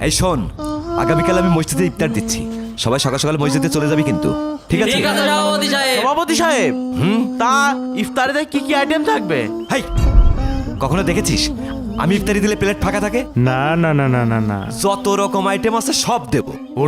এই শোন, আগামীকাল আমি মসজিদে ইফতার দিচ্ছি, সবাই সকাল সকাল মসজিদে চলে যাবি কিন্তু, ঠিক আছে? সভাপতি সাহেব, তা ইফতারিতে কি কি আইটেম থাকবে? হাই, কখনো দেখেছিস আমি ইফতারি দিলে প্লেট ফাঁকা থাকে? না না না না না না, যত রকম আইটেম আছে সব দেব।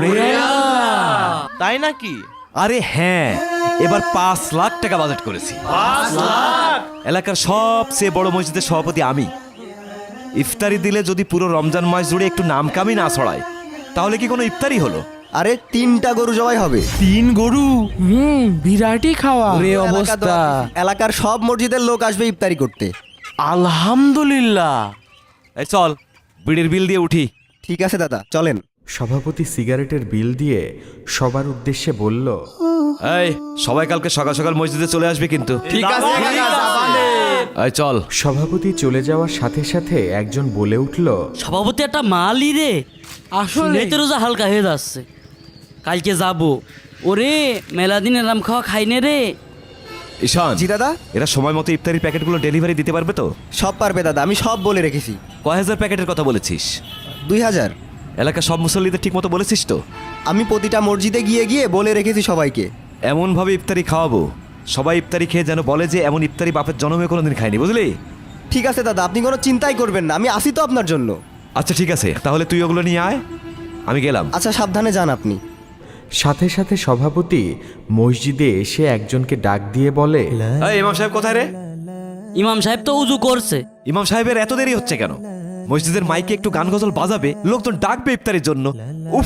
তাই নাকি? আরে হ্যাঁ, এবার 5 লাখ টাকা বাজেট করেছি। এলাকার সবচেয়ে বড় মসজিদের সভাপতি আমি। ইফতারি দিলে যদি পুরো রমজান মাস জুড়ে একটু নাম কামি না ছড়ায়, তাহলে কি কোনো ইফতারি হলো? আরে 3টা গরু জবাই হবে। 3 গরু? বিরাটই খাওয়া পুরো এলাকার সব মসজিদের লোক আসবে ইফতারি করতে। আলহামদুলিল্লাহ। এই চল, বিড়ির বিল দিয়ে উঠি। ঠিক আছে দাদা, চলেন। সভাপতি সিগারেটের বিল দিয়ে সবার উদ্দেশ্যে বলল, এই সবাই কালকে সকাল সকাল মসজিদে চলে আসবে কিন্তু, ঠিক আছে? এই চল। সভাপতি চলে যাওয়ার সাথে সাথে একজন বলে উঠল, সভাপতি একটা মালই রে, আসলে তো রোজা হালকা হয়ে যাচ্ছে, কালকে যাবো। ওরে মেলা দিন এরাম খাওয়া খাইনে রে। ঈশান, জি দাদা। এরা সময় মতো ইফতারির প্যাকেটগুলো ডেলিভারি দিতে পারবে তো? সব পারবে দাদা, আমি সব বলে রেখেছি। কয় হাজার প্যাকেটের কথা বলেছিস? 2000। এলাকার সব মুসল্লিদের ঠিক মতো বলেছিস তো? আমি প্রতিটা মসজিদে গিয়ে গিয়ে বলে রেখেছি সবাইকে। এমনভাবে ইফতারি খাওয়াবো সবাই ইফতারি খেয়ে যেন বলে যে এমন ইফতারি বাপের জন্মে কোনোদিন খায়নি, বুঝলি? ঠিক আছে দাদা, আপনি কোনো চিন্তাই করবেন না, আমি আসি তো আপনার জন্য। আচ্ছা ঠিক আছে, তাহলে তুই ওগুলো নিয়ে আয়, আমি গেলাম। আচ্ছা, সাবধানে যান আপনি। সাথে সাথে সভাপতি মসজিদে এসে একজনকে ডাক দিয়ে বলে, এই ইমাম সাহেব কোথায় রে? ইমাম সাহেব তো উজু করছে। ইমাম সাহেবের এত দেরি হচ্ছে কেন? মসজিদের মাইকে একটু গান গজল বাজাবে, লোকজন ডাকবে ইফতারির জন্য। উফ,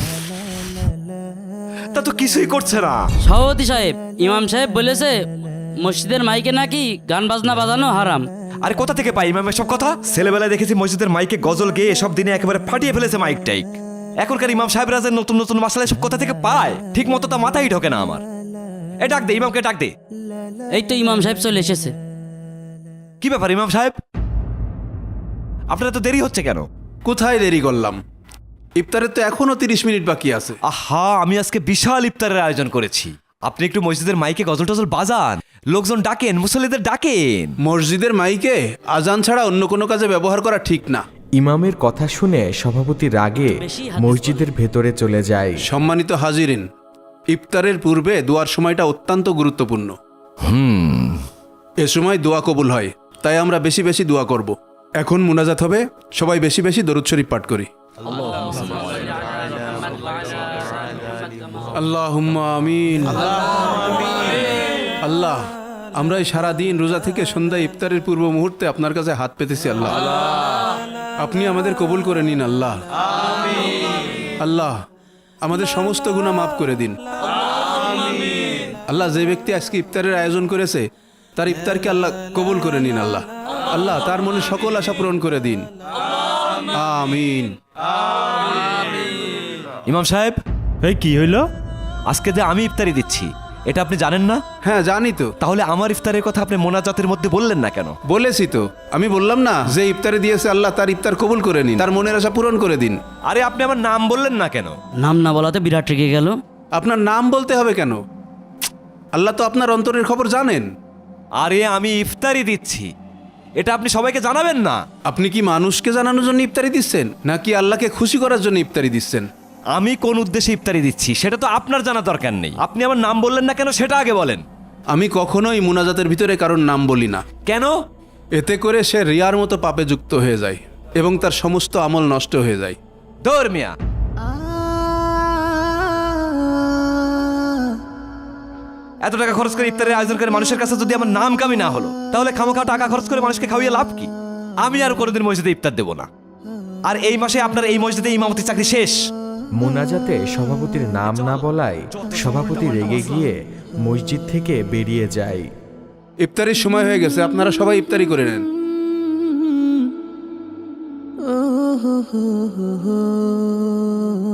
তা তো কিছুই করছে না। সভাপতি সাহেব, ইমাম সাহেব বলেছে মসজিদের মাইকে নাকি গান বাজনা বাজানো হারাম। আরে কোথা থেকে পাই ইমামের সব কথা? ছেলেবেলায় দেখেছি মসজিদের মাইকে গজল গেয়ে সব দিনে একেবারে ফাটিয়ে ফেলেছে মাইক টাইক। এখনকার ইমাম সাহেবরা যে নতুন নতুন মাসালা সব কোথা থেকে পায়, ঠিক মতো তা মাথায় ঢোকে না আমার। এ ডাক দে, ইমামকে ডাক দে। এই তো ইমাম সাহেব চলে এসেছে। কি ব্যাপার ইমাম সাহেব, আপনার তো দেরি হচ্ছে কেন? কোথায় দেরি করলাম? ইফতারের তো এখনো 30 মিনিট বাকি আছে। আহা, আমি আজকে বিশাল ইফতারের আয়োজন করেছি, আপনি একটু মসজিদের মাইকে গজল টজল বাজান, লোকজন ডাকেন, মুসল্লিদের ডাকেন। মসজিদের মাইকে আজান ছাড়া অন্য কোনো কাজে ব্যবহার করা ঠিক না। ইমামের কথা শুনে সভাপতি রাগে মসজিদের ভেতরে চলে যায়। সম্মানিত হাজিরিন, ইফতারের পূর্বে দোয়ার সময়টা অত্যন্ত গুরুত্বপূর্ণ। এ সময় দোয়া কবুল হয়, তাই আমরা বেশি বেশি দোয়া করব। এখন মুনাজাত হবে, সবাই বেশি বেশি দরুদ শরীফ পাঠ করি। আল্লাহুম্মা আমিন। আল্লাহ, আমরা এই সারাদিন রোজা থেকে সন্ধ্যা ইফতারের পূর্ব মুহূর্তে আপনার কাছে হাত পেতেছি। আল্লাহ, আপনি আমাদের কবুল করে নিন। আল্লাহ, আল্লাহ আমাদের সমস্ত গুনাহ মাফ করে দিন। আল্লাহ, যে ব্যক্তি আজকে ইফতারের আয়োজন করেছে তার ইফতারকে আল্লাহ কবুল করে নিন। আল্লাহ, আল্লাহ তার মনে সকল আশা পূরণ করে দিন। আমিন। ইমাম সাহেব, এই কি হইলো? আজকে যে আমি ইফতারি দিচ্ছি, এটা আপনি জানেন না? হ্যাঁ জানি তো। তাহলে আমার ইফতারের কথা আপনি মোনাজাতের মধ্যে বললেন না কেন? বলেছি তো, আমি বললাম না যে ইফতারে দিয়েছে আল্লাহ তার ইফতার কবুল করে নিন, তার মনের আশা পূরণ করে দিন। আরে আপনি আমার নাম বললেন না কেন? নাম না বলাতে বিরাট রেগে গেল। আপনার নাম বলতে হবে কেন? আল্লাহ তো আপনার অন্তরের খবর জানেন। আরে আমি ইফতারি দিচ্ছি, এটা আপনি সবাইকে জানাবেন না? আপনি কি মানুষকে জানানোর জন্য ইফতারি দিচ্ছেন, নাকি আল্লাহকে খুশি করার জন্য ইফতারি দিচ্ছেন? আমি কোন উদ্দেশ্যে ইফতারি দিচ্ছি সেটা তো আপনার জানা দরকার নেই। আপনি আমার নাম বললেন না কেন সেটা আগে বলেন। আমি কখনোই মুনাজাতের ভিতরে কারোর নাম বলি না। কেন? এতে করে সে রিয়ার মতো পাপে যুক্ত হয়ে যায় এবং তার সমস্ত আমল নষ্ট হয়ে যায়। ধর মিয়া, এত টাকা খরচ করে ইফতারের আয়োজন করে মানুষের কাছে যদি আমার নাম কামি না হলো, তাহলে খামোখা টাকা খরচ করে মানুষকে খাওয়িয়ে লাভ কি? আমি আর কোনোদিন মসজিদে ইফতার দেব না। আর এই মাসে আপনার এই মসজিদে ইমামতি চাকরি শেষ। মোনাজাতে সভাপতির নাম না বলায় সভাপতি রেগে গিয়ে মসজিদ থেকে বেরিয়ে যায়। ইফতারির সময় হয়ে গেছে, আপনারা সবাই ইফতারি করে নেন। oh